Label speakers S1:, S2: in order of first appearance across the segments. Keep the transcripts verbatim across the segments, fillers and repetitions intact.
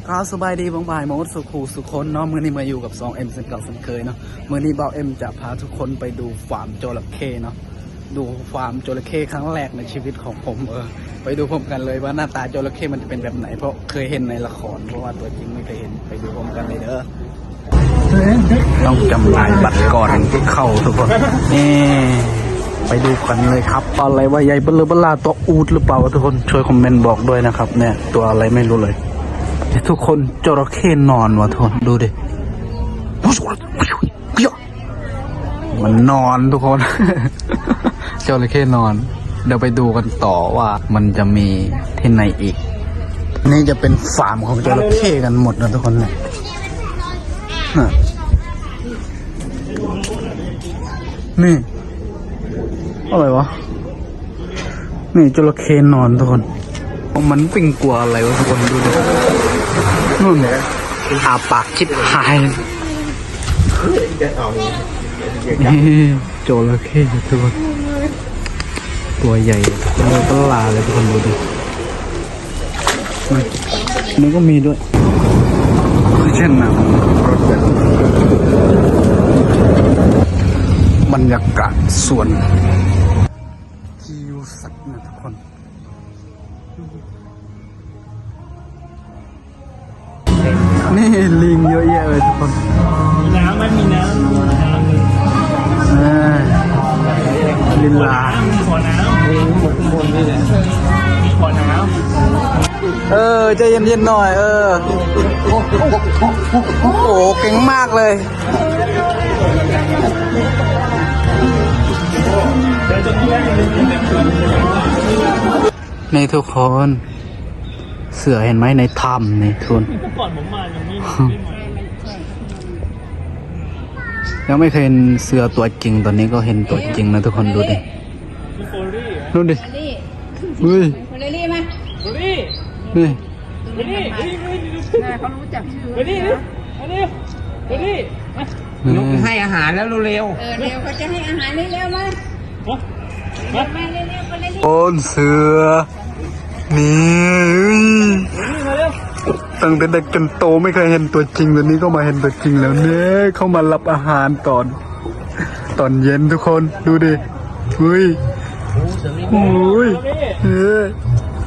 S1: ก็สบายดีบางบ่ายมดสุขูสุขคนเนาะมือนี้มาอยู่กับ สองเอ็ม เช่นเก่าเช่นเคยเนาะมือนี้บ่าวเอ็มจะพาทุกคนไปดูฟาร์มจระเข้เนาะดูฟาร์มจระเข้ครั้งแรกในชีวิตของผมเออไปดูพร้อมกันเลยว่าหน้าตาจระเข้มันจะเป็นแบบไหนเพราะเคยเห็นในละครเพราะว่าตัวจริงไม่เคยเห็นไปดูพร้อมกันเลยเด้อต้องจำลายบัตรก่อนเข้าทุกคนนี่ไปดูกันเลยครับอะไรว่าใหญ่เบลอเบลาตัวอูดหรือเปล่าทุกคนช่วยคอมเมนต์บอกด้วยนะครับเนี่ยตัวอะไรไม่รู้เลยทุกคนจระเข้นอนวะทุกคนดูดิมันนอนทุกคน จระเข้นอนเดี๋ยวไปดูกันต่อว่ามันจะมีที่ไหนอีกนี่จะเป็นฟาร์มของจระเข้กันหมดนะทุกคนเนี่ยนี่อะไรวะนี่จระเข้นอนทุกคนมันปิ่งกลัวอะไรวะทุกคนดูดินู่นเนี่ยอาปากชิบหายนี่จระเข้ทุกคนตัวใหญ่เลยก็ลาเลยทุกคนดูดินี่ก็มีด้วยเช่นน้ำรถแบบบรรยากาศสวนที่อยู่สัตว์นะทุกคนนี่ลิงเยอะแยะเลยทุกคนมีน้ำไหมมีน้ำลินลามีขอน้ำมีหมดข้างบนนี่แหละมีขอน้ำเออใจเย็นๆหน่อยเออโอ้โหเก่งมากเลยนี่ทุกคนเสือเห็นไหมในถ้ำนี่ทุนก่อนผมมายังไม่ยังไม่เคยเห็นเสือตัวจริงตอนนี้ก็เห็นตัวจริงนะทุกคนดูดิดูดิเฮ้ยนี่นี่
S2: เขารู้จักชื่อ
S3: นี่นี่นี่นี่นกให้อาหารแล้วเร็ว
S2: เออเร็วเขาจะให้อาหารเร็วๆมามาเร็วๆไปเร็ว
S1: โอนเสือนี่ตั้งแต่เด็กจนโตไม่เคยเห็นตัวจริงตอนนี้ก็มาเห็นตัวจริงแล้วเนี่ยเข้ามารับอาหารตอนตอนเย็นทุกคนดูดิเฮ้ยโอ้ยเฮ้ย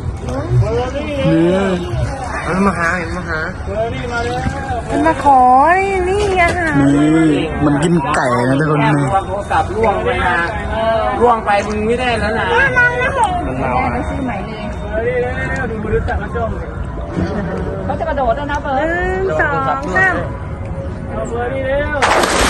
S1: เนี่ย
S3: มาหาเห็นมาหา
S2: มันมาขอนี่อาหาร
S1: นี่มันกินไก่นะทุกคนนี่
S3: โทรศัพท์ล่วงไปนะล่วงไปมึงไม่ได้แล้วนะ
S2: มันเราไปซื้อใหม่เลยดูมือจับมาชมเขาจะกระโดดแล้วนะเบิร์ดหนึ่งสองสามเอาเบิร์ดนี่เร็ว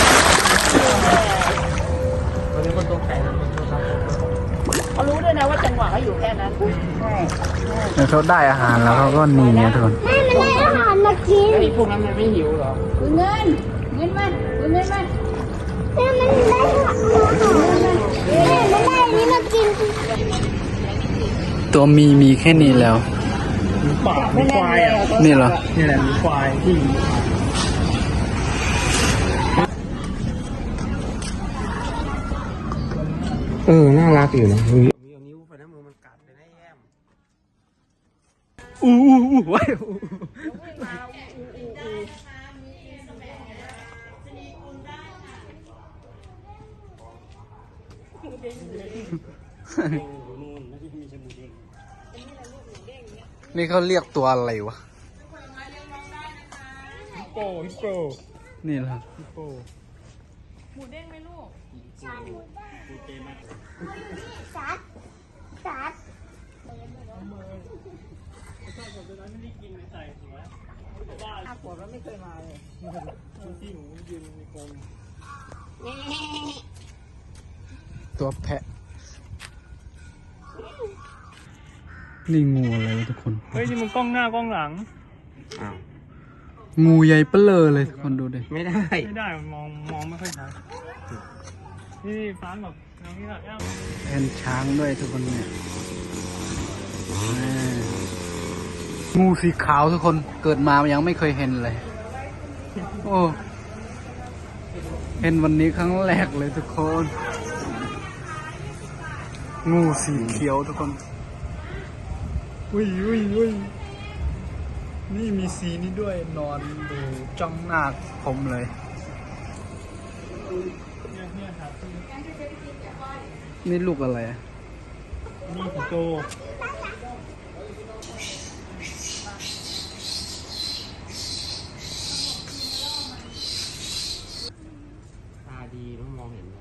S2: เขารู้ด้วยนะว่าจังหวะเขาอยู่แค่นั้นใช่
S1: เขาได้อาหารแล้วเขาก็หนีนะทุกคน
S2: แม่มันได้อาหารมากิน
S3: ไอ้พวกนั้นมันไม่หิวหรอ
S2: เงินเงินมันเงินมันแม่มันได้อาหารแม่มันได้นี่มากิน
S1: ตัวมีมีแค่นี้แล้ว
S3: ป่ามีควายอ่ะ
S1: นี่เหรอ
S3: นี่แหละมีควายที่เออน่ารักอยู่นะมีนิ้วไปนะมือมันกัดไปได้แย้ม
S1: อู้อู้อู้ไว้นี่เขาเรียกตัวอะไรวะ
S3: ฮิปโปฮิปโป
S1: นี่เหรอ
S3: ฮิปโป
S2: หมูเด้งไหมลูก
S4: สัตว์สัตว์
S2: อาขวดแล้วไม่เคยมาเลย
S3: ที่หนูยืนในกรง
S1: ตัวแพะนี่งูอะไรวะทุกคน
S3: เฮ้ยนี่มันกล้องหน้ากล้องหลังอ้าว
S1: งูใหญ่เปลอเลยทุกคนดูดิ
S3: ไม่ได้ไม่ได้มองมองไม่ค่อยชัดนี่ฟ้าแบบน้องนี่แบบ
S1: แอนช้างด้วยทุกคนเนี่ยงูสีขาวทุกคนเกิดมายังไม่เคยเห็นเลยโอ้เห็นวันนี้ครั้งแรกเลยทุกคนงูสีเขียวทุกคน อุ้ยอุ้ยอุ้ยนี่มีสีนี้ด้วยนอนดูจ้องหน้าผมเลย
S3: เนี่ยเนี่ยครับ
S1: นี่ลูกอะไรอะ
S3: นี่สิงโตตาดีต้องมองเห็นนะ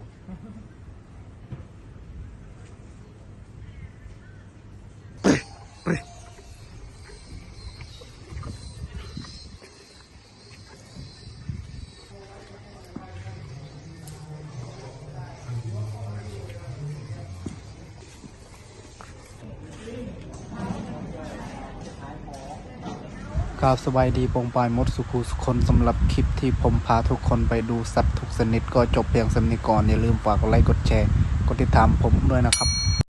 S1: ครับสบายดีปงปลายมดสุขุสุคนสำหรับคลิปที่ผมพาทุกคนไปดูสัตว์ทุกชนิดก็จบเพียงสำนิก่อนอย่าลืมฝากกดไลค์กดแชร์กดติดตามผมด้วยนะครับ